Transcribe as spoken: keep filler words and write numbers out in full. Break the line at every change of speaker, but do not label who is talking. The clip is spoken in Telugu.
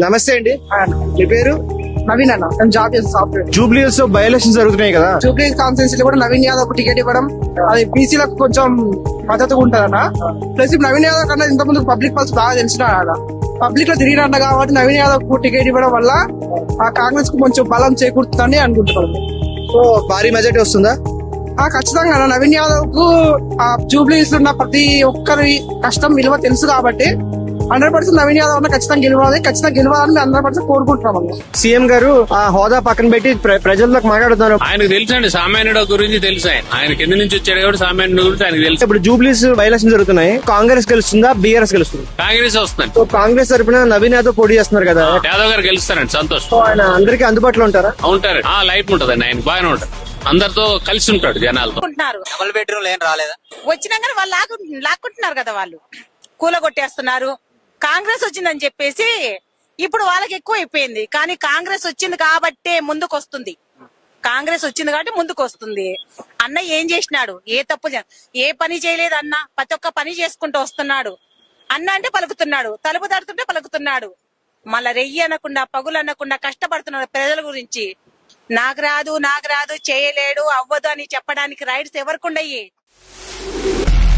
నమస్తే అండి, మీ పేరు?
నవీన్ అన్న, నేను జాబ్ చేసిన సాఫ్ట్వేర్.
జూబ్లీ హిల్స్ లో బై ఎలక్షన్స్ జరుగుతున్నాయి కదా,
జూబ్లీ కాన్స్టిట్యూన్సీ కూడా నవీన్ యాదవ్ ఒక టికెట్ ఇవ్వడం అది బీసీలకు కొంచెం మద్దతుగా ఉంటదన్న. ప్లస్ ఇప్పుడు నవీన్ యాదవ్ కన్నా ఇంత ముందు పబ్లిక్ పల్స్ బాగా తెలిసిన పబ్లిక్ లో తిరిగినట్ట కాబట్టి నవీన్ యాదవ్ కు టికెట్ ఇవ్వడం వల్ల ఆ కాంగ్రెస్ కు కొంచెం బలం చేకూరుతుందని అనుకుంటున్నాను.
సో భారీ మెజార్టీ వస్తుందా?
ఆ ఖచ్చితంగా అన్న, నవీన్ యాదవ్ కు ఆ జూబ్లీ హిల్స్ లో ఉన్న ప్రతి ఒక్కరి కష్టం విలువ తెలుసు కాబట్టి హండ్రెడ్ పర్సెంట్ నవీన్ యాదవ్ అన్న ఖచ్చితంగా గెలవాలి, ఖచ్చితంగా గెలవాలని హండ్రెడ్ పర్సెంట్ కోరుకుంటున్నాం అన్న.
సీఎం గారు ఆ హోదా పక్కన పెట్టి ప్ర- ప్రజల్లోకి మాట్లాడుతున్నారు.
ఆయనకు తెలుసు అండి, సామాన్యుడు గురించి తెలుసు. ఆయన ఆయన కింద నుంచి వచ్చాడు కాబట్టి సామాన్యుడు గురించి ఆయనకు తెలుసు.
ఇప్పుడు జూబ్లీస్ బై ఎలక్షన్స్ జరుగుతున్నాయి, కాంగ్రెస్ గెలుస్తుందా బీఆర్ఎస్ గెలుస్తుంది?
కాంగ్రెస్ వస్తుందండి.
సో కాంగ్రెస్ తరపున నవీన్ యాదవ్ పోటీ చేస్తున్నారు కదా,
యాదవ్ గారు గెలుస్తారండి, సంతోషం.
సో ఆయన అందరికీ అందుబాటులో ఉంటారా?
ఉంటారు, ఆ లైఫ్ ఉంటదండి ఆయన, బాగానే ఉంటారు, అందరితో కలిసి ఉంటాడు జనాలతో.
అనుకుంటున్నారు.
డబుల్ బెడ్రూమ్ ఏం రాలేదా?
వచ్చినా కానీ వాళ్ళు లాక్కు లాక్కుంటున్నారు కదా, వాళ్ళు కూలగొట్టేస్తున్నారు. కాంగ్రెస్ వచ్చిందని చెప్పేసి ఇప్పుడు వాళ్ళకి ఎక్కువ అయిపోయింది. కానీ కాంగ్రెస్ వచ్చింది కాబట్టే ముందుకు వస్తుంది, కాంగ్రెస్ వచ్చింది కాబట్టి ముందుకు వస్తుంది. అన్న ఏం చేసినాడు? ఏ తప్పు చే- ఏ పని చేయలేదు అన్న, ప్రతి ఒక్క పని చేసుకుంటూ వస్తున్నాడు. అన్న అంటే పలుకుతున్నాడు, తలుపు తడుతుంటే పలుకుతున్నాడు. మళ్ళా రెయ్యి అనకుండా పగులు అనకుండా కష్టపడుతున్నాడు ప్రజల గురించి. నాకు రాదు నాకు రాదు చేయలేడు అవ్వదు అని చెప్పడానికి రైట్స్ ఎవరికి ఉండయి.